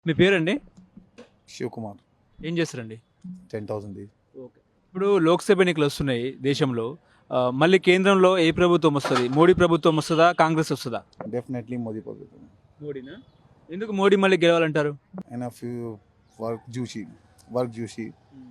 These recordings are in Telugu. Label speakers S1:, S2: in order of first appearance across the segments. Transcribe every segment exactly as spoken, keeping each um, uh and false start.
S1: మీ పేరండి?
S2: శివకుమార్.
S1: ఏం చేస్తారండి?
S2: Ten thousand
S1: okay. ఇప్పుడు లోక్సభ ఎన్నికలు వస్తున్నాయి దేశంలో. ఆహ్, మళ్ళీ కేంద్రంలో ఏ ప్రభుత్వం వస్తది? మోడీ ప్రభుత్వం వస్తదా? కాంగ్రెస్ వస్తదా?
S2: డెఫినెట్లీ మోదీ ప్రభుత్వం.
S1: మోడీనా? ఎందుకు మోడీ మళ్ళీ గెలవాలంటారు?
S2: ఆయన ఫ్యూ వర్క్ చూసి వర్క్ చూసి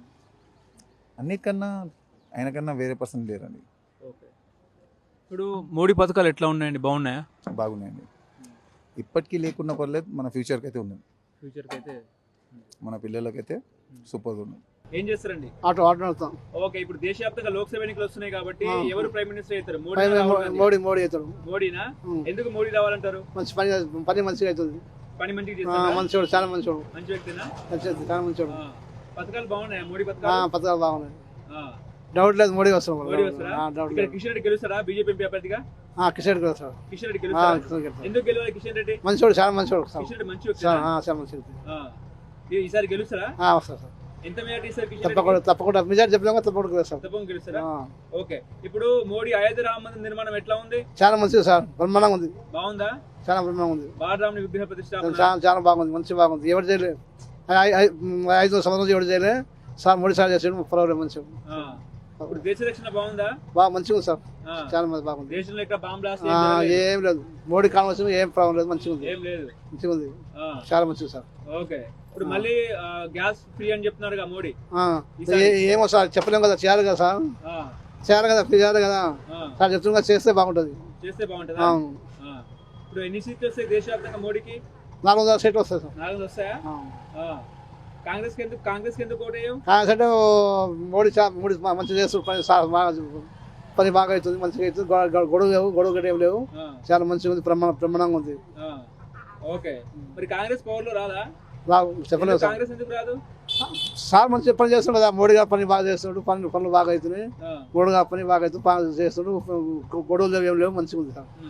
S2: అన్నిటికన్నా ఆయనకన్నా వేరే పర్సన్ లేరండి.
S1: ఓకే. ఇప్పుడు మోడీ పథకాలు ఎట్లా ఉన్నాయండి? బాగున్నాయా?
S2: బాగున్నాయండి. ఇప్పటికీ లేకున్నా పర్లేదు, మన ఫ్యూచర్కి అయితే ఉన్నాయి.
S1: ఫ్యూచర్కి అయితే
S2: మన పిల్లలకైతే సూపర్గా ఉన్నాయి.
S1: ఏం చేస్తారండి?
S3: ఆటో ఆటో నడుపుతాం.
S1: ఓకే. ఇప్పుడు దేశవ్యాప్తంగా లోక్సభ ఎన్నికలు వస్తున్నాయి కాబట్టి
S3: ఆ.
S1: ఎవరు ప్రైమ్ మినిస్టర్ అవుతారు? మోడీ
S3: పైన
S1: రాహుల్ గాంధీ?
S3: మోడీ మోడీ అవుతాడు.
S1: మోడీనా?
S3: ఉం.
S1: ఎందుకు మోడీ రావాలంటారు?
S3: మంచి పని పని మంచిగా అవుతుంది.
S1: పని మంచిగా
S3: ఆ,
S1: చేస్తారా?
S3: మంచోడు, చాలా మంచోడు,
S1: మంచి వ్యక్తినా?
S3: మంచిది, చాలా మంచోడు.
S1: ఆ. పథకాలు బాగున్నాయా మోడీ
S3: ఆ,
S1: పథకాలు?
S3: పథకాలు బాగున్నాయి.
S1: ఆ.
S3: డౌట్ లేదు, మోడీ వస్తాం.
S1: మోడీ వస్తారా?
S3: డౌట్
S1: ఇక్కడ
S3: లేదు.
S1: కిషన్ రెడ్డి గెలుస్తారా బీజేపీ ఎంపీ అభ్యర్థిగా?
S3: ఆ, కిషన్ రెడ్డి వస్తాడు.
S1: కిషన్ రెడ్డి
S3: ఆ,
S1: గెలుస్తారా?
S3: కిషన్ రెడ్డి.
S1: ఎందుకు గెలవాలి కిషన్ రెడ్డి?
S3: మంచోడు, చాలా మంచోడు.
S1: కిషన్ రెడ్డి మంచి
S3: చాలా
S1: వ్యక్తినా?
S3: ఆ, చాలా మంచిది.
S1: ఆ. ఈ- ఈసారి గెలుస్తారా?
S3: ఆ, వస్తాడు సార్.
S1: ఎంత మెజార్టీ ఇస్తారు కిషన్
S3: తప్పకుండా
S1: రెడ్డికి?
S3: తప్పకుండా మెజార్టీ చెప్పినా తప్పకుండా వస్తాడు.
S1: తప్పకుండా గెలుస్తారా?
S3: ఆ,
S1: ఓకే. ఇప్పుడు మోడీ అయోధ్య రామ మందిర నిర్మాణం ఎట్లా ఉంది?
S3: చాలా మంచిది సార్, బ్రహ్మాండంగా ఉంది,
S1: బాగుందా?
S3: చాలా బ్రహ్మాండంగా ఉంది.
S1: బాలరాముని విగ్రహ ప్రతిష్టాపన
S3: చాలా చాలా బాగుంది, మంచి బాగుంది. ఎవరు చేయలేదు, ఐ- ఐ- ఐదు సంవత్సరం నుంచి ఎవరు చేయలేదు సార్. మోడీ సార్ చేసాడు, పర్వాలేదు, మంచిగా.
S1: ఆ. ఇప్పుడు దేశ రక్షణ బాగుందా?
S3: బాగా మంచిగా ఉంది సార్,
S1: ఆ.
S3: చాలా మంది బాగుంది.
S1: దేశంలో ఇక్కడ బాంబ్ బ్లాస్ట్
S3: ఆ, ఏం లేదు, మోడీ కావాల్సిన ఏం ప్రాబ్లం లేదు, మంచిగా ఉంది,
S1: ఏం లేదు.
S3: మంచిగా ఉంది,
S1: ఆ.
S3: చాలా మంచిది సార్.
S1: ఓకే. ఇప్పుడు మళ్ళీ ఆ, గ్యాస్ ఫ్రీ అని చెప్తున్నారుగా మోడీ.
S3: ఆ,
S1: ఈసారి-
S3: ఏ- ఏమో సార్ చెప్పలేము కదా, చేయాలి కదా సార్,
S1: ఆ.
S3: చేయాలి కదా, చేయాలి కదా
S1: ఆ.
S3: సార్, చెప్తున్నా చేస్తే బాగుంటుంది.
S1: చేస్తే బాగుంటుందా?
S3: అవును,
S1: ఆ. ఇప్పుడు ఎన్ని సీట్లు వస్తాయి దేశవ్యాప్తంగా మోడీకి?
S3: నాలుగు వందల సీట్లు వస్తాయి సార్.
S1: నాలుగు వస్తాయా?
S3: ఆ.
S1: ఆ. కాంగ్రెస్ కి ఎందుకు కాంగ్రెస్ కి ఎందుకు ఓటేయం?
S3: కాంగ్రెస్ అంటే మోడీ చా- మోడీ మా- మంచిగా చేస్తుంది పని, సార్ బాగా పని బాగా అవుతుంది, మంచిగా అవుతుంది, గొడవ గొడవ- గొడవ లేవు, గొడవ గడ్డ ఏం లేవు,
S1: ఆ.
S3: చాలా మంచిగా ఉంది, బ్రహ్మాండ బ్రహ్మాండంగా ఉంది.
S1: ఆ. ఓకే. మరి కాంగ్రెస్ పవర్ లో రాదా?
S3: బాగా చెప్పలేదు
S1: ఎందుకు
S3: సార్.
S1: కాంగ్రెస్ ఎందుకు రాదు?
S3: సార్ మంచి పని చేస్తుండే కదా, మోడీ గారు పని బాగా చేస్తున్నాడు, పనులు పనులు బాగా అవుతున్నాయి,
S1: ఆ.
S3: మోడీ గారు పని బాగా అవుతుంది, పని చేస్తున్నాడు, గొడవలు లేవు, ఏం లేవు, మంచిగా ఉంది సార్.